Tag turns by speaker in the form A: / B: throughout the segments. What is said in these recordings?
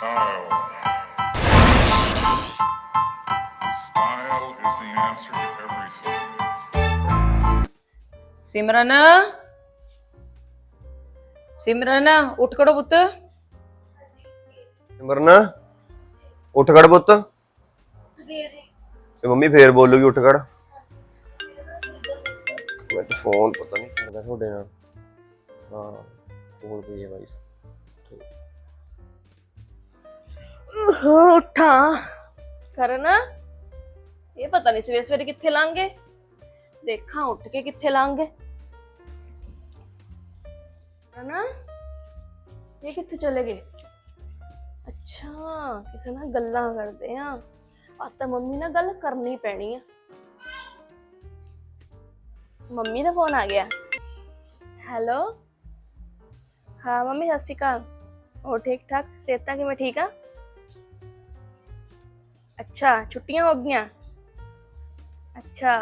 A: Style. Style is the answer to everything.
B: ਸਿਮਰਨ ਸਿਮਰਨ ਉੱਠ ਖੜੋ ਪੁੱਤ।
C: ਸਿਮਰਨ ਉੱਠ ਖੜ ਪੁੱਤ। ਤੇ ਮੰਮੀ ਫੇਰ ਬੋਲੂਗੀ ਉੱਠ ਖੜ। ਮੈਂ ਤਾਂ ਫੋਨ ਪਤਾ ਨਹੀਂ ਕਰਦਾ ਤੁਹਾਡੇ ਨਾਲ। ਹਾਂ ਬੋਲ ਪਈ ਹੈ ਬਾਈ।
B: ਉੱਠਾ ਕਰਨ ਇਹ ਪਤਾ ਨਹੀਂ ਸਵੇਰੇ ਸਵੇਰੇ ਕਿੱਥੇ ਲੰਘੇ। ਦੇਖਾਂ ਉੱਠ ਕੇ ਕਿੱਥੇ ਲੰਘੇ। ਨਾ ਇਹ ਕਿੱਥੇ ਚਲੇ ਗਏ। ਅੱਛਾ ਕਿਸੇ ਨਾਲ ਗੱਲਾਂ ਕਰਦੇ ਆ। ਅੱਜ ਤਾਂ ਮੰਮੀ ਨਾਲ ਗੱਲ ਕਰਨੀ ਪੈਣੀ ਆ। ਮੰਮੀ ਦਾ ਫੋਨ ਆ ਗਿਆ। ਹੈਲੋ ਹਾਂ ਮੰਮੀ ਸਤਿ ਸ਼੍ਰੀ ਅਕਾਲ। ਹੋਰ ਠੀਕ ਠਾਕ ਸਿਹਤਾਂ ਕਿਵੇਂ ਠੀਕ ਆ। ਅੱਛਾ ਛੁੱਟੀਆਂ ਹੋ ਗਈਆਂ। ਅੱਛਾ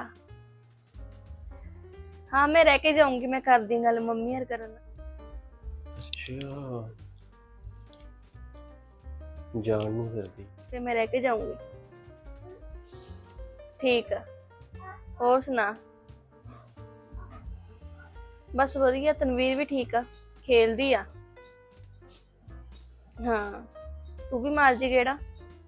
B: हाँ मैं रह के जाऊंगी। मैं कर दी गल मम्मी यार करन।
C: ਅੱਛਾ ਜਾਣ ਨੂੰ ਫਿਰਦੀ।
B: ਤੇ मैं रह के जाऊंगी। ठीक है और सुना। बस वधिया तनवीर भी ठीक आ खेलदी आ। हाँ तू भी मार जी गेड़ा।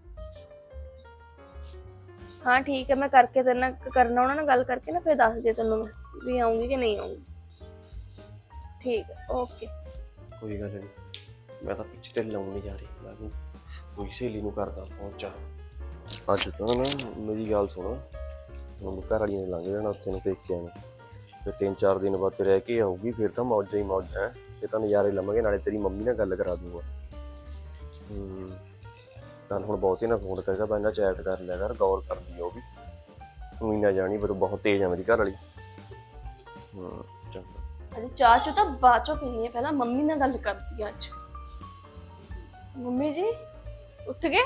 B: हाँ ठीक है मैं करके तेरे नाल करना उन्हां नाल गल करके ना फिर दस दे तैनूं मैं भी आऊंगी कि नहीं आऊंगी। ठीक है ओके।
C: ਕੋਈ ਗੱਲ ਨਹੀਂ ਮੈਂ ਤਾਂ ਪਿੱਛੇ ਤੇ ਲਾਉਣ ਨਹੀਂ ਜਾ ਰਹੀ। ਮੈਂ ਤਾਂ ਕੋਈ ਸਹੇਲੀ ਨੂੰ ਕਰਦਾ ਪਹੁੰਚਾ। ਅੱਜ ਤਾਂ ਨਾ ਮੇਰੀ ਗੱਲ ਸੁਣ। ਹੁਣ ਘਰ ਵਾਲੀਆਂ ਨੇ ਲੰਘ ਜਾਣਾ ਉੱਥੇ ਨੂੰ ਪੇਕਿਆਂ ਨੂੰ। ਫਿਰ 3-4 ਦਿਨ ਬਾਅਦ ਰਹਿ ਕੇ ਆਊਗੀ। ਫਿਰ ਤਾਂ ਮੌਜਾਂ ਹੀ ਮੌਜਾਂ ਹੈ। ਇਹ ਤਾਂ ਨਜ਼ਾਰੇ ਲਵਾਂਗੇ। ਨਾਲੇ ਤੇਰੀ ਮੰਮੀ ਨਾਲ ਗੱਲ ਕਰਾ ਦੂੰਗਾ। ਚੱਲ ਹੁਣ ਬਹੁਤੇ ਨਾ ਫੋਨ ਕਰੇਗਾ ਪਹਿਲਾਂ ਚੈਟ ਕਰ ਲਿਆ ਕਰ। ਗੌਰ ਕਰਦੀ ਆ ਉਹ ਵੀ। ਤੂੰ ਹੀ ਨਾ ਜਾਣੀ ਪਰ ਬਹੁਤ ਤੇਜ਼ ਆ ਮੇਰੀ ਘਰ ਵਾਲੀ। ਚੰਗਾ
B: अरे चाह चो तो बाद चो पीनी है। पहला मम्मी ने गल करती है। अज मम्मी जी उठ गए।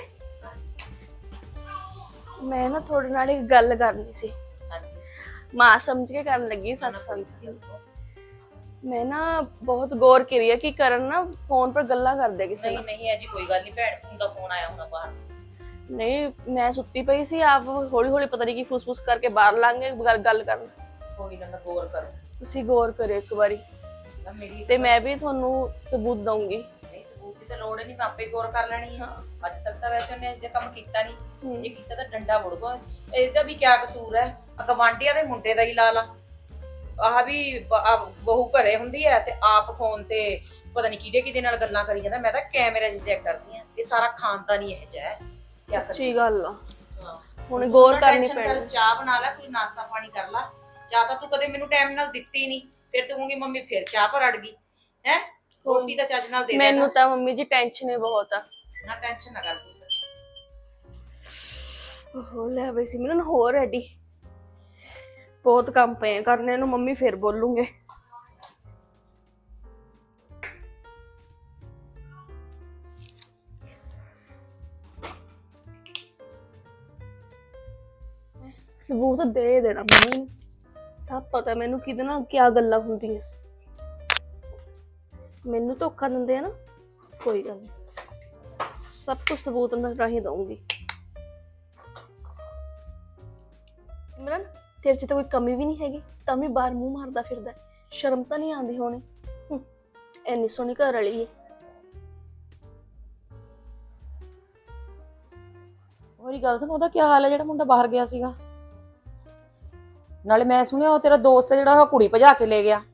B: मैं ना थोड़े नाल एक गल करनी सी। मां समझ के करन लगी सस समझ के। मैं ना बहुत गौर करी है कि करन ना फोन पर गल्ला कर दे किसी
D: नहीं नहीं है जी कोई गल नहीं। भैन दा फोन आया होना बाहर।
B: नहीं मैं सुत्ती पई सी। आप हौली हौली पता नहीं की फुस फुस करके बाहर लंघ गए गल करन।
D: कोई ना मैं गौर करूं।
B: ਤੁਸੀਂ ਗੌਰ ਕਰਿਓ ਇੱਕ ਵਾਰੀ
D: ना मेरी
B: ਤੇ ਮੈਂ ਵੀ ਤੁਹਾਨੂੰ ਸਬੂਤ ਦਊਂਗੀ।
D: नहीं सबूत की तो लोड़ ही नहीं। मैं आपे गौर कर लेनी है। अज तक तो वैसे उन्हें जे काम कीता नहीं। जे कीता तो डंडा मुड़गा। इसदा भी क्या कसूर है। गवांढियां दे मुंडे दा ही ला ला। आह भी बहू घरे हुंदी है ते आप फोन ते पता नहीं किहदे किहदे नाल गल्लां करी जांदा। मैं तां कैमरे च चेक करदी हां। ये सारा खानदान ही इह जिहा है।
B: ਸੱਚੀ ਗੱਲ ਆ।
D: हां
B: ਹੁਣ ਗੌਰ ਕਰਨੀ ਪੈਣੀ।
D: चाह बना ला कोई नाश्ता पानी कर ला। ਚਾਹ ਤਾਂ ਤੂੰ ਕਦੇ ਮੈਨੂੰ ਟਾਈਮ ਨਾਲ ਦਿੱਤੀ ਨਹੀਂ। ਫਿਰ ਤੂੰ ਕਹੂੰਗੀ ਮੰਮੀ ਫਿਰ ਚਾਹ ਪਰ ਅੜ ਗਈ ਹੈ। ਰੋਟੀ ਤਾਂ ਚੱਜ ਨਾਲ ਦੇ ਦੇ।
B: ਮੈਨੂੰ ਤਾਂ ਮੰਮੀ ਜੀ ਟੈਨਸ਼ਨ ਹੀ ਬਹੁਤ ਆ।
D: ਨਾ ਟੈਨਸ਼ਨ ਨਾ ਕਰ ਪੁੱਤ।
B: ਉਹ ਲੈ ਬਈ ਸੀ ਮੈਨੂੰ ਹੋਰ ਰੈਡੀ ਬਹੁਤ ਕੰਮ ਪਏ ਕਰਨੇ ਨੂੰ। ਮੰਮੀ ਫਿਰ ਬੋਲੂਗੇ। ਸਬੂਤ ਦੇ ਦੇਣਾ ਮੰਮੀ ਨੂੰ। ਸਭ ਪਤਾ ਮੈਨੂੰ ਕਿਹਦੇ ਨਾਲ ਕਿਆ ਗੱਲਾਂ ਹੁੰਦੀਆਂ। ਮੈਨੂੰ ਧੋਖਾ ਦਿੰਦੇ ਆ ਨਾ। ਕੋਈ ਗੱਲ ਨਹੀਂ ਸਭ ਕੁਝ ਸਬੂਤ ਨਾਲ ਰਾਹੀਂ ਦਊਂਗੀ। ਸਿਮਰਨ ਤੇਰੇ ਚ ਤਾਂ ਕੋਈ ਕਮੀ ਵੀ ਨਹੀਂ ਹੈਗੀ ਤਾਂ ਵੀ ਬਾਹਰ ਮੂੰਹ ਮਾਰਦਾ ਫਿਰਦਾ। ਸ਼ਰਮ ਤਾਂ ਨਹੀਂ ਆਉਂਦੀ ਹੋਣੀ। ਐਨੀ ਸੋਹਣੀ ਘਰ ਵਾਲੀ ਹੈ।
D: ਉਹਦੀ ਗੱਲ ਸੁਣ। ਉਹਦਾ ਕੀ ਹਾਲ ਹੈ ਜਿਹੜਾ ਮੁੰਡਾ ਬਾਹਰ ਗਿਆ ਸੀਗਾ। ਨਾਲੇ ਮੈਂ ਸੁਣਿਆ ਉਹ ਤੇਰਾ ਦੋਸਤ ਹੈ ਜਿਹੜਾ ਉਹ ਕੁੜੀ ਭਜਾ ਕੇ ਲੈ ਗਿਆ।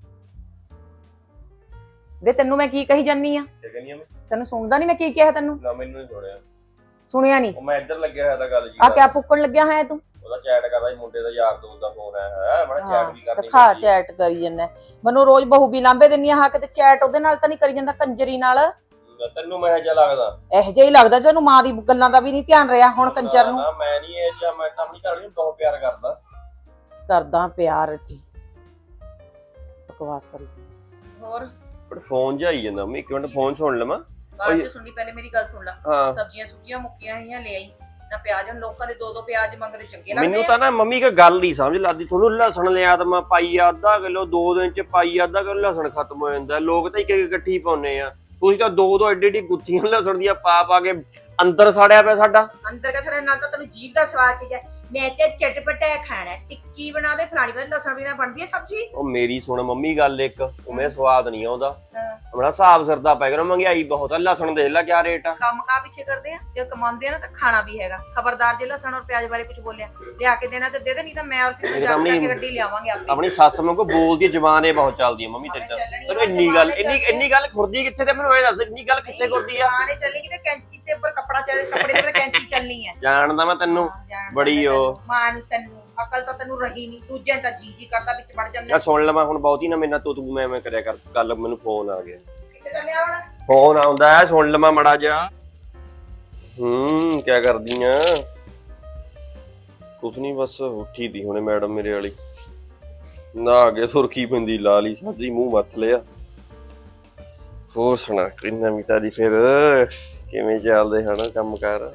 D: ਵੇ ਤੈਨੂੰ ਮੈਂ ਕੀ ਕਹੀ ਜਾਨੀ ਆ।
C: ਕੀ ਕਹਿੰਦੀ ਆ ਮੈਂ?
D: ਤੈਨੂੰ ਸੁਣਦਾ ਨਹੀਂ ਮੈਂ ਕੀ ਕਿਹਾ ਤੈਨੂੰ।
C: ਨਾ ਮੈਨੂੰ ਨਹੀਂ ਸੁਣਿਆ।
D: ਸੁਣਿਆ ਨਹੀਂ।
C: ਉਹ ਮੈਂ ਇੱਧਰ ਲੱਗਿਆ ਹੋਇਆ ਤਾਂ ਗੱਲ ਜੀ।
D: ਆ ਕਿਆ ਫੁੱਕਣ ਲੱਗਿਆ ਹੈ ਤੂੰ।
C: ਉਹਦਾ ਚੈਟ ਕਰਦਾ ਸੀ ਮੁੰਡੇ ਦਾ ਯਾਰ ਦੋਸਤ ਦਾ ਫੋਨ ਆਇਆ ਹੋਇਆ। ਮੈਂ ਚੈਟ ਵੀ ਕਰਨੀ।
D: ਖਾ ਚੈਟ ਕਰੀ ਜਾਂਦਾ। ਮੈਨੂੰ ਰੋਜ਼ ਬਹੂ ਵੀ ਲਾਂਬੇ ਦਿੰਨੀ ਆ। ਹਾਂ ਕਿਤੇ ਚੈਟ ਉਹਦੇ ਨਾਲ ਤਾਂ ਨਹੀਂ ਕਰੀ ਜਾਂਦਾ ਕੰਜਰੀ ਨਾਲ।
C: ਤੈਨੂੰ ਮੈਂ ਜਿਹਾ ਲੱਗਦਾ।
D: ਇਹੋ ਜਿਹਾ ਹੀ ਲੱਗਦਾ ਤੈਨੂੰ। ਮਾਂ ਦੀ ਗੱਲਾਂ ਦਾ ਵੀ ਨਹੀਂ ਧਿਆਨ ਰਿਹਾ ਹੁਣ ਕੰਜਰ ਨੂੰ।
C: ਨਾ ਮੈਂ ਨਹੀਂ ਇਹ ਜਿਹਾ। ਮੈਂ ਤਾਂ ਆਪਣੀ ਘਰ ਵਾਲੀ ਨੂੰ ਬਹੁਤ ਪਿਆਰ
D: ਕਰਦਾ ਪਿਆਰ ਇੱਥੇ ਬਕਵਾਸ ਕਰੀ ਜਾਂਦਾ। ਹੋਰ
C: ਪਰ ਫੋਨ ਜਾਈ ਜਾਂਦਾ। ਮੈਂ ਇੱਕ ਮਿੰਟ ਫੋਨ ਸੁਣ ਲਵਾਂ।
D: ਗੱਲ ਤੇ ਸੁਣਨੀ ਪਹਿਲੇ ਮੇਰੀ ਗੱਲ ਸੁਣ ਲੈ।
C: ਹਾਂ
D: ਸਬਜ਼ੀਆਂ ਸੁੱਕੀਆਂ ਮੁੱਕੀਆਂ ਹੋਈਆਂ ਲੈ ਆਈ ਨਾ। ਪਿਆਜ਼ ਲੋਕਾਂ ਦੇ 2-2 ਪਿਆਜ਼ ਮੰਗਦੇ ਚੰਗੇ ਲੱਗਦੇ।
C: ਮੈਨੂੰ ਤਾਂ ਨਾ ਮੰਮੀ ਇੱਕ ਗੱਲ ਨਹੀਂ ਸਮਝ ਲੱਗਦੀ। ਤੁਹਾਨੂੰ ਲਸਣ ਲਿਆ ਤਾਂ ਮੈਂ ਪਾਈ ਅੱਧਾ ਕਿਲੋ 2 ਦਿਨ ਚ ਪਾਈ ਅੱਧਾ ਕਿਲੋ ਲਸਣ ਖਤਮ ਹੋ ਜਾਂਦਾ। ਲੋਕ ਤਾਂ ਇੱਕ ਇੱਕ ਇਕੱਠੀ ਪਾਉਨੇ ਆ। ਤੁਸੀਂ ਤਾਂ ਦੋ ਐਡੀ ਐਡੀ ਗੁੱਥੀਆਂ ਲਸਣ ਦੀਆਂ ਪਾ ਕੇ ਅੰਦਰ ਸਾੜਿਆ ਪਿਆ ਸਾਡਾ।
D: ਅੰਦਰ ਕਾ ਛੜੇ ਨਾਲ ਤਾਂ ਤੈਨੂੰ ਜੀਭ ਦਾ ਸਵਾਦ ਚੀਜ਼ ਹੈ। ਮੈਂ ਤੇ ਚਟਪਟਾ ਖਾਣਾ ਟਿੱਕੀ ਬਣਾ ਦੇ ਫਲਾਣੀ ਵਾਰ ਲਸਣ ਬਿਨਾ ਬਣਦੀ ਹੈ ਸਬਜ਼ੀ।
C: ਉਹ ਮੇਰੀ ਸੁਣ ਮੰਮੀ ਗੱਲ ਇੱਕ, ਉਵੇਂ ਸਵਾਦ ਨਹੀਂ ਆਉਂਦਾ। ਆਪਣਾ ਹਿਸਾਬ ਸਿਰਦਾ ਪੈ ਗਿਆ, ਮਹਿੰਗਾਈ ਬਹੁਤ ਆ। ਲਸਣ ਦੇਖ ਲੈ ਕਿਆ ਰੇਟ ਆ।
D: ਕੰਮ ਕਾ ਪਿੱਛੇ ਕਰਦੇ ਆ, ਜੇ ਕਮਾਉਂਦੇ ਆ ਨਾ ਤਾਂ ਖਾਣਾ ਵੀ ਹੈਗਾ। ਖਬਰਦਾਰ ਜੇ ਲਸਣ ਔਰ ਪਿਆਜ਼ ਬਾਰੇ ਕੁਝ ਬੋਲਿਆ ਲਿਆ ਕੇ ਦੇਣਾ ਤੇ ਦੇ ਦੇ, ਨਹੀਂ ਤਾਂ ਮੈਂ ਉਸੇ ਨੂੰ ਜਾ ਕੇ ਗੱਡੀ ਲਿਆਵਾਂਗੇ ਆਪੇ।
C: ਆਪਣੀ ਸੱਸ ਵਾਂਗੂ ਬੋਲਦੀ ਜ਼ਬਾਨ ਇਹ ਬਹੁਤ ਚੱਲਦੀ ਹੈ ਮੰਮੀ ਤੇਰੀ ਤਾਂ। ਤੈਨੂੰ ਇੰਨੀ ਗੱਲ ਖੁਰਦੀ ਕਿੱਥੇ ਤੇ ਮੈਨੂੰ ਇਹ ਦੱਸ, ਇੰਨੀ ਗੱਲ ਕਿੱਥੇ ਖੁਰਦੀ ਆ?
D: ਆਣੇ ਚੱਲੇਗੀ ਤੇ ਕੈਂਚੀ ਤੇ ਉੱਪਰ ਕੱਪੜੇ ਤੇ ਉੱਪਰ ਕੈਂਚੀ ਚੱਲਣੀ ਹੈ।
C: ਜਾਣਦਾ ਮੈਂ ਤੈਨੂੰ ਬੜੀ ਉਹ
D: ਮਾਂ ਨੂੰ, ਤੈਨੂੰ ਅਕਲ ਤਾਂ ਤੈਨੂੰ ਰਹੀ ਨਹੀਂ। ਦੂਜਿਆਂ ਤਾਂ ਜੀ ਕਰਦਾ ਵਿੱਚ ਵੜ ਜਾਂਦਾ।
C: ਮੈਂ ਸੁਣ ਲਵਾਂ ਹੁਣ ਬਹੁਤੀ ਨਾ ਮੇਰੇ ਨਾਲ ਤੂੰ ਮੈਂ ਕਰਿਆ ਕਰ ਗੱਲ। ਮੈਨੂੰ ਫੋਨ ਆ ਗਿਆ।
D: ਕਿੱਥੇ ਚੱਲਿਆ ਹੁਣ?
C: ਫੋਨ ਆਉਂਦਾ ਹੈ, ਸੁਣ ਲਵਾਂ ਮੜਾ ਜਾ। ਕਿਆ ਕਰਦੀ ਆ? ਕੁਛ ਨਹੀਂ, ਬਸ ਉੱਠੀ ਦੀ ਹੁਣੇ ਮੈਡਮ ਮੇਰੇ ਵਾਲੀ। ਨਾ ਅੱਗੇ ਸੁਰਖੀ ਪੈਂਦੀ, ਲਾ ਲਈ ਸਾਜੀ, ਮੂੰਹ ਮੱਥ ਲਿਆ। ਹੋਰ ਸੁਣਾ ਕੋਈ ਨਵੀਂ ਤਾਜੀ? ਫਿਰ ਕਿਵੇਂ ਚੱਲਦੇ ਹਨ ਕੰਮ ਕਾਰ?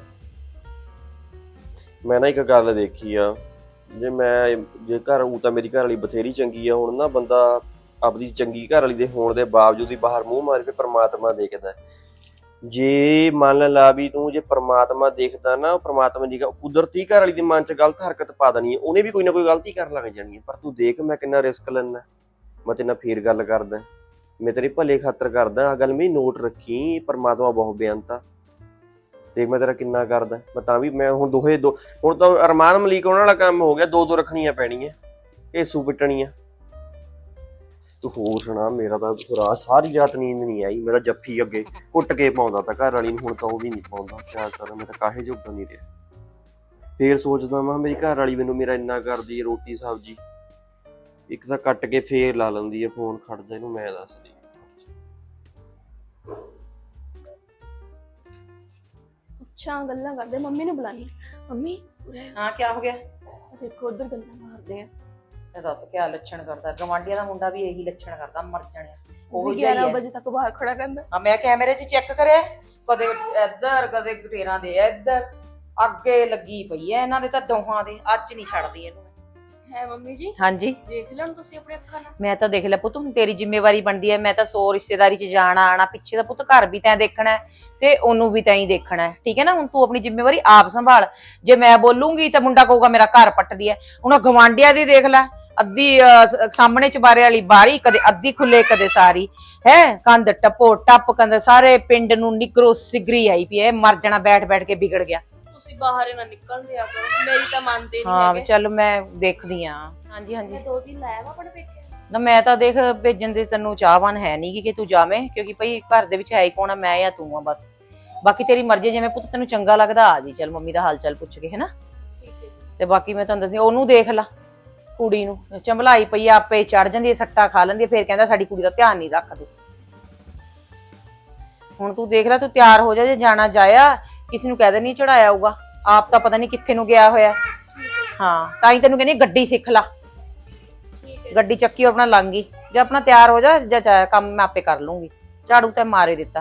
C: ਮੈਂ ਨਾ ਇੱਕ ਗੱਲ ਦੇਖੀ ਆ, ਜੇ ਘਰ ਉਹ ਤਾਂ ਮੇਰੀ ਘਰ ਵਾਲੀ ਬਥੇਰੀ ਚੰਗੀ ਆ। ਹੁਣ ਨਾ ਬੰਦਾ ਆਪਦੀ ਚੰਗੀ ਘਰ ਵਾਲੀ ਦੇ ਹੋਣ ਦੇ ਬਾਵਜੂਦ ਹੀ ਬਾਹਰ ਮੂੰਹ ਮਾਰ ਕੇ ਪਰਮਾਤਮਾ ਦੇਖਦਾ। ਜੇ ਮੰਨ ਲਾ ਵੀ ਤੂੰ ਜੇ ਪਰਮਾਤਮਾ ਦੇਖਦਾ ਨਾ, ਪਰਮਾਤਮਾ ਦੀ ਕੁਦਰਤੀ ਘਰ ਵਾਲੀ ਦੇ ਮਨ 'ਚ ਗਲਤ ਹਰਕਤ ਪਾ ਦੇਣੀ ਹੈ। ਉਹਨੇ ਵੀ ਕੋਈ ਨਾ ਕੋਈ ਗਲਤੀ ਕਰਨ ਲੱਗ ਜਾਣੀ ਹੈ। ਪਰ ਤੂੰ ਦੇਖ ਮੈਂ ਕਿੰਨਾ ਰਿਸਕ ਲੈਂਦਾ। ਮੈਂ ਤੇਰੇ ਨਾਲ ਫੇਰ ਗੱਲ ਕਰਦਾ, ਮੈਂ ਤੇਰੇ ਭਲੇ ਖਾਤਰ ਕਰਦਾ। ਆਹ ਗੱਲ ਮੇਰੀ ਨੋਟ ਰੱਖੀ, ਪਰਮਾਤਮਾ ਬਹੁਤ ਬੇਅੰਤ ਆ। ਦੇਖ ਮੈਂ ਤੇਰਾ ਕਿੰਨਾ ਕਰਦਾ। ਮੈਂ ਤਾਂ ਵੀ ਮੈਂ ਹੁਣ ਹੁਣ ਤਾਂ ਅਰਮਾਨ ਮਲੀਕ ਉਹਨਾਂ ਵਾਲਾ ਕੰਮ ਹੋ ਗਿਆ। ਦੋ ਰੱਖਣੀਆਂ ਪੈਣੀਆਂ, ਘੇਸੂ ਪਿੱਟਣੀਆਂ। ਤੂੰ ਹੋਰ ਸੁਣਾ? ਮੇਰਾ ਤਾਂ ਰਾਤ ਸਾਰੀ ਰਾਤ ਨੀਂਦ ਨਹੀਂ ਆਈ। ਮੇਰਾ ਜੱਫੀ ਅੱਗੇ ਕੁੱਟ ਕੇ ਪਾਉਂਦਾ ਤਾਂ ਘਰ ਵਾਲੀ ਨੂੰ, ਹੁਣ ਤਾਂ ਉਹ ਵੀ ਨਹੀਂ ਪਾਉਂਦਾ। ਕਿਆ ਕਰਾਂ, ਮੈਂ ਤਾਂ ਕਾਹੇ ਜੋਗਾ ਨਹੀਂ ਰਿਹਾ। ਫੇਰ ਸੋਚਦਾ ਮੈਂ ਮੇਰੀ ਘਰ ਵਾਲੀ ਮੈਨੂੰ ਮੇਰਾ ਇੰਨਾ ਕਰਦੀ ਹੈ, ਰੋਟੀ ਸਬਜ਼ੀ ਇੱਕ ਤਾਂ ਕੱਟ ਕੇ ਫੇਰ ਲਾ ਲੈਂਦੀ ਹੈ ਫੋਨ। ਖੜਦਾ ਇਹਨੂੰ ਮੈਂ ਦੱਸਦੀ।
B: ਅੱਛਾ ਗੱਲਾਂ ਕਰਦੇ, ਮੰਮੀ ਨੂੰ ਬੁਲਾਣੀ। ਮੰਮੀ
D: ਹਾਂ ਕੀ ਹੋ ਗਿਆ?
B: ਦੇਖੋ ਉਧਰ ਗੱਲਾਂ ਮਾਰਦੇ ਆ।
D: ਤੇ ਦੱਸ ਕਿਆ ਲੱਛਣ ਕਰਦਾ? ਗਵਾਂਢੀਆਂ ਦਾ ਮੁੰਡਾ ਵੀ ਇਹੀ ਲੱਛਣ ਕਰਦਾ, ਮਰ ਜਾਣਿਆ।
B: ਉਹ 11 ਵਜੇ ਤੱਕ ਬਾਹਰ ਖੜਾ ਰਹਿੰਦਾ।
D: ਹਾਂ ਮੈਂ ਕੈਮਰੇ 'ਚ ਚੈੱਕ ਕਰਿਆ, ਕਦੇ ਇੱਧਰ ਕਦੇ ਗਟੇਰਾਂ ਦੇ ਇੱਧਰ। ਅੱਗੇ ਲੱਗੀ ਪਈ ਐ ਇਹਨਾਂ ਦੇ ਤਾਂ ਦੋਹਾਂ ਦੇ। ਅੱਜ ਨਹੀਂ ਛੱਡਦੀ ਇਹਨੂੰ।
B: ਹੈ ਮੰਮੀ ਜੀ?
D: ਹਾਂਜੀ
B: ਦੇਖ ਲੈਣ ਤੁਸੀਂ ਆਪਣੀ ਅੱਖਾਂ ਨਾਲ।
D: ਮੈਂ ਤਾਂ ਦੇਖ ਲਿਆ ਪੁੱਤ, ਹੁਣ ਤੇਰੀ ਜ਼ਿੰਮੇਵਾਰੀ ਬਣਦੀ ਹੈ। ਮੈਂ ਤਾਂ 100 ਰਿਸ਼ਤੇਦਾਰੀ 'ਚ ਜਾਣਾ ਆਣਾ, ਪਿੱਛੇ ਦਾ ਪੁੱਤ ਘਰ ਵੀ ਤੈਂ ਦੇਖਣਾ ਤੇ ਉਹਨੂੰ ਵੀ ਤੈਂ ਹੀ ਦੇਖਣਾ, ਠੀਕ ਹੈ ਨਾ? ਹੁਣ ਤੂੰ ਆਪਣੀ ਜ਼ਿੰਮੇਵਾਰੀ ਆਪ ਸੰਭਾਲ। ਜੇ ਮੈਂ ਬੋਲੂੰਗੀ ਤਾਂ ਮੁੰਡਾ ਕਹੂਗਾ ਮੇਰਾ ਘਰ ਪੱਟਦੀ ਹੈ। ਹੁਣ ਗਵਾਂਢੀਆਂ ਦੀ ਦੇਖ ਲੈ, ਅੱਧੀ ਸਾਹਮਣੇ ਚਬਾਰੇ ਵਾਲੀ ਬਾਰੀ, ਕਦੇ ਅੱਧੀ ਖੁੱਲੇ ਕਦੇ ਸਾਰੀ ਹੈ। ਕੰਧ ਟੱਪੋ ਟੱਪ ਕੰਧ, ਸਾਰੇ ਪਿੰਡ ਨੂੰ ਨਿਗਰੋ ਸਿਗਰੀ ਆਈ ਪਈ ਹੈ। ਮਰ ਜਾਣਾ ਬੈਠ ਬੈਠ ਕੇ ਵਿਗੜ ਗਿਆ।
B: ਤੁਸੀਂ ਬਾਹਰ ਨਾ ਨਿਕਲ ਰਿਹਾ ਕਰੋ, ਮੇਰੀ ਤਾਂ ਮੰਨਦੇ ਨਹੀਂ
D: ਹਾਂ
B: ਹੈਗੇ।
D: ਚੱਲ ਮੈਂ ਦੇਖਦੀ ਆ। ਹਾਂਜੀ ਹਾਂਜੀ
B: ਮੈਂ 2 ਦਿਨ ਲਾਇਆ ਵਾ ਆਪਣੇ ਪੇਕੇ।
D: ਨਾ ਮੈਂ ਤਾਂ ਦੇਖ ਭੇਜਣ ਦੇ ਤੈਨੂੰ ਚਾਹਵਾਨ ਹੈ ਨਹੀਂ ਕਿ ਤੂੰ ਜਾਵੇਂ, ਕਿਉਂਕਿ ਭਈ ਘਰ ਦੇ ਵਿੱਚ ਹੈ ਹੀ ਕੌਣ ਆ, ਮੈਂ ਜਾਂ ਤੂੰ ਆ ਬਸ। ਬਾਕੀ ਤੇਰੀ ਮਰਜ਼ੀ, ਜਿਵੇਂ ਪੁੱਤ ਤੈਨੂੰ ਚੰਗਾ ਲੱਗਦਾ ਆ ਜੀ। ਚੱਲ ਮੰਮੀ ਦਾ ਹਾਲ ਚਾਲ ਪੁੱਛ ਕੇ, ਹੈਨਾ?
B: ਠੀਕ ਹੈ ਜੀ।
D: ਤੇ ਬਾਕੀ ਮੈਂ ਤੁਹਾਨੂੰ ਦੱਸਦੀ, ਉਹਨੂੰ ਦੇਖ ਲਾ, ਕੁੜੀ ਨੂੰ ਚੰਬਲਾਈ ਪਈ ਆ, ਆਪੇ ਚੜ ਜਾਂਦੀ ਹੈ, ਸੱਟਾ ਖਾ ਲੈਂਦੀ ਹੈ, ਫਿਰ ਕਹਿੰਦਾ ਸਾਡੀ ਕੁੜੀ ਦਾ ਧਿਆਨ ਨਹੀਂ ਰੱਖਦੇ। ਹੁਣ ਤੂੰ ਦੇਖ ਲੈ, ਤੂੰ ਤਿਆਰ ਹੋ ਜਾ, ਜੇ ਜਾਣਾ ਜਾਇਆ, ਕਿਸੇ ਨੂੰ ਕਹਿ ਦੇ ਨਹੀਂ ਚੜਾਇਆ ਆਊਗਾ। ਆਪ ਤਾਂ ਪਤਾ ਨਹੀਂ ਕਿੱਥੇ ਨੂੰ ਗਿਆ ਹੋਇਆ। ਹਾਂ ਤਾਂ ਹੀ ਤੈਨੂੰ ਕਹਿੰਦੀ ਗੱਡੀ ਸਿੱਖ ਲਾ। ਗੱਡੀ ਚੱਕੀ ਆਪਣਾ ਲੰਘ ਜੇ ਆਪਣਾ ਤਿਆਰ ਹੋ ਜਾ, ਜਾਂ ਕੰਮ ਮੈਂ ਆਪੇ ਕਰ ਲੂੰਗੀ। ਝਾੜੂ ਤੇ ਮਾਰੇ ਦਿੱਤਾ।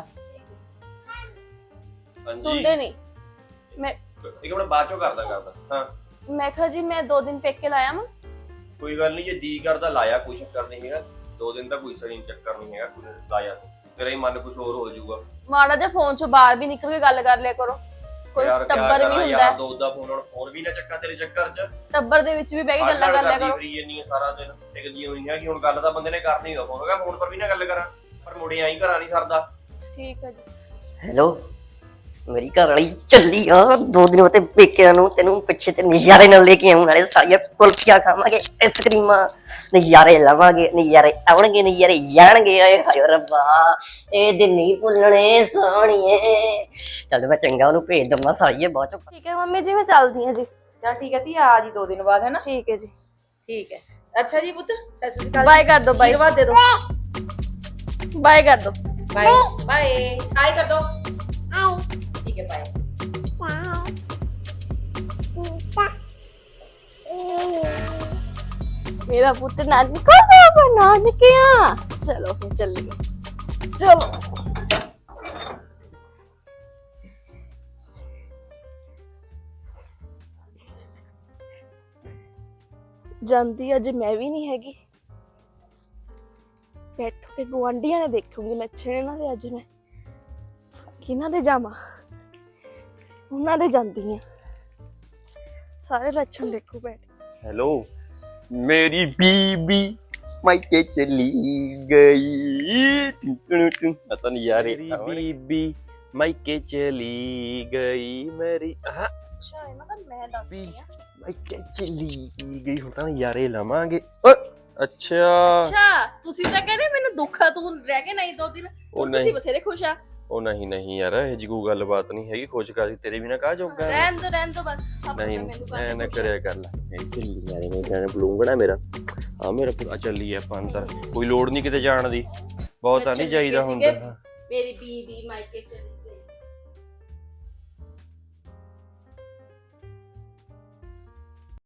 B: ਸੁਣਦੇ ਨਹੀਂ। ਮੈਂ
C: ਇੱਕ ਮਿੰਟ ਬਾਅਦ ਚੋਂ ਕਰਦਾ। ਹਾਂ
B: ਮੈਂ ਕਿਹਾ ਜੀ ਮੈਂ 2 ਦਿਨ ਪੇਕੇ ਲਾਇਆ ਵਾਂ।
C: ਕੋਈ ਗੱਲ ਨਹੀਂ, ਜੇ ਜੀ ਕਰਦਾ ਲਾਇਆ, ਕੋਈ ਚੱਕਰ ਨਹੀਂ ਹੈਗਾ। 2 ਦਿਨ ਤਾਂ ਕੋਈ ਸਹੀ ਚੱਕਰ ਨਹੀਂ ਹੈਗਾ। ਕੋਈ ਲਾਇਆ ਤੇਰਾ ਹੀ ਮਨ ਕੁਝ ਹੋਰ ਹੋ ਜਾਊਗਾ।
B: ਮਾੜਾ ਜਿਹਾ ਫੋਨ ਚੋਂ ਬਾਹਰ ਵੀ ਨਿਕਲ ਕੇ ਗੱਲ ਕਰ ਲਿਆ ਕਰੋ। ਕੋਈ ਟੱਬਰ ਵੀ ਹੁੰਦਾ
C: ਯਾਰ, ਦੋ ਦਾ ਫੋਨ ਵੀ ਨਾ ਚੱਕਾ ਤੇਰੇ ਚੱਕਰ 'ਚ।
B: ਟੱਬਰ ਦੇ ਵਿੱਚ ਵੀ ਬਹਿ ਕੇ ਗੱਲਾਂ ਕਰ ਲਿਆ ਕਰੋ।
C: ਫਰੀ ਇੰਨੀ ਸਾਰਾ ਦਿਨ ਟਿਕਦੀ ਹੋਈ ਹੈ ਕਿ ਹੁਣ ਗੱਲ ਤਾਂ ਬੰਦੇ ਨੇ ਕਰਨੀ ਹੋਗਾ। ਫੋਨ ਹੈਗਾ, ਫੋਨ ਪਰ ਵੀ ਨਾ ਗੱਲ ਕਰਾਂ, ਪਰ ਮੁੜੇ ਆਈ ਘਰਾਂ ਨਹੀਂ ਸਰਦਾ।
B: ਠੀਕ ਹੈ ਜੀ।
E: ਹੈਲੋ, ਮੇਰੀ ਘਰ ਵਾਲੀ ਚੱਲੀ ਆ 2 ਦਿਨ ਉਤੇ ਪੇਕਿਆਂ ਨੂੰ। ਤੈਨੂੰ ਪਿੱਛੇ ਤੇ ਨਜ਼ਾਰੇ ਨਾਲ ਲੈ ਕੇ ਆਉਣ ਵਾਲੇ। ਸਾਰੀਆਂ ਕੁਲਫੀਆਂ ਖਾਵਾਂਗੇ, ਆਈਸਕ੍ਰੀਮਾਂ, ਨਜ਼ਾਰੇ ਲਵਾਂਗੇ, ਨਜ਼ਾਰੇ ਆਉਣਗੇ, ਨਜ਼ਾਰੇ ਜਾਣਗੇ। ਆਏ ਹਾਏ ਰੱਬਾ, ਇਹ ਦਿਨ ਨਹੀਂ ਭੁੱਲਣੇ ਸੋਹਣੀਏ। ਚੱਲ ਮੈਂ ਚੰਗਾ ਉਹਨੂੰ ਭੇਜ ਦਵਾਂ ਸਾਰੀਏ ਬਾਅਦ ਚੋਂ।
B: ਠੀਕ ਹੈ ਮੰਮੀ ਜੀ, ਮੈਂ ਚੱਲਦੀ ਹਾਂ ਜੀ।
D: ਚੱਲ ਠੀਕ ਹੈ ਧੀ, ਆ ਜੀ 2 ਦਿਨ ਬਾਅਦ, ਹੈ ਨਾ?
B: ਠੀਕ ਹੈ ਜੀ।
D: ਠੀਕ ਹੈ। ਅੱਛਾ ਜੀ ਪੁੱਤ, ਸਤਿ ਸ਼੍ਰੀ ਅਕਾਲ।
B: ਬਾਏ ਕਰ ਦੋ। ਬਾਏ
D: ਆਸ਼ੀਰਵਾਦ ਦੇ ਦੋ।
B: ਬਾਏ ਕਰ ਦੋ।
D: Bye bye. ਹਾਈ ਕਰ ਦੋ। ਠੀਕ ਹੈ, ਬਾਏ।
B: ਮੇਰਾ ਪੁੱਤ ਨਾਨਕਾ ਦਾ ਨਾਨਕਿਆ। ਚਲੋ ਫਿਰ ਚੱਲੀਏ। ਚਲੋ ਜਾਂਦੀ ਅੱਜ ਮੈਂ ਵੀ ਨਹੀਂ ਹੈਗੀ। ਬੈਠੋ ਕੇ ਗੁਆਂਢੀਆਂ ਨੇ ਦੇਖੂਗੀ ਲੱਛਣ ਇਹਨਾਂ ਦੇ ਅੱਜ ਮੈਂ। ਕਿਹਨਾਂ ਦੇ ਜਾਵਾਂ? ਉਹਨਾਂ ਦੇ ਜਾਂਦੀ ਆ। ਸਾਰੇ ਲੱਛਣ ਦੇਖੋ ਬੈਠ।
C: हेलो मेरी बीबी मायके चली गई पता नहीं यार मेरी बीबी मायके चली गई मेरी
B: ਅੱਛਾ ਇਹਨਾਂ ਦਾ ਮੈਂ ਦੱਸਦੀ ਆ।
C: मायके चली गई ਹੁਣ ਤਾਂ ਯਾਰੇ ਲਾਵਾਂਗੇ ਅੱਛਾ
B: ਅੱਛਾ ਤੁਸੀਂ ਤਾਂ ਕਹਿੰਦੇ ਮੈਨੂੰ ਦੁੱਖ ਆ ਤੂੰ ਰਹਿ ਕੇ ਨਹੀਂ 2 ਦਿਨ
C: ਉਹ
B: ਤੁਸੀਂ
C: ਨਹੀਂ
B: ਬਥੇਰੇ ਖੁਸ਼ ਆ।
C: ਉਹ ਨਹੀਂ ਨਹੀਂ ਯਾਰ ਇਹ ਜੀ ਕੋਈ ਗੱਲਬਾਤ ਨਹੀਂ ਹੈਗੀ ਖੋਜ ਕਰੀ ਤੇਰੇ ਵੀ ਨਾ ਕਹਾ ਜਾਊਗਾ
B: ਰਹਿਣ ਦੋ ਬਸ ਸਭ
C: ਨਹੀਂ
B: ਮੈਨੂੰ
C: ਐ ਨਾ
B: ਕਰ
C: ਕਰਿਆ ਕਰ ਲੈ ਇਹ ਚੱਲੀ ਯਾਰੇ ਮੈਂ ਜਾਣੇ ਬਲੂੰਗਣਾ ਮੇਰਾ ਹਾਂ ਮੇਰਾ ਪੂਰਾ ਚੱਲੀ ਆਪਾਂ ਅੰਦਰ ਕੋਈ ਲੋੜ ਨਹੀਂ ਕਿਤੇ ਜਾਣ ਦੀ ਬਹੁਤ ਆ ਨਹੀਂ ਜਾਈਦਾ ਹੁੰਦਾ
B: ਮੇਰੀ ਬੀਬੀ ਮਾਇਕੇ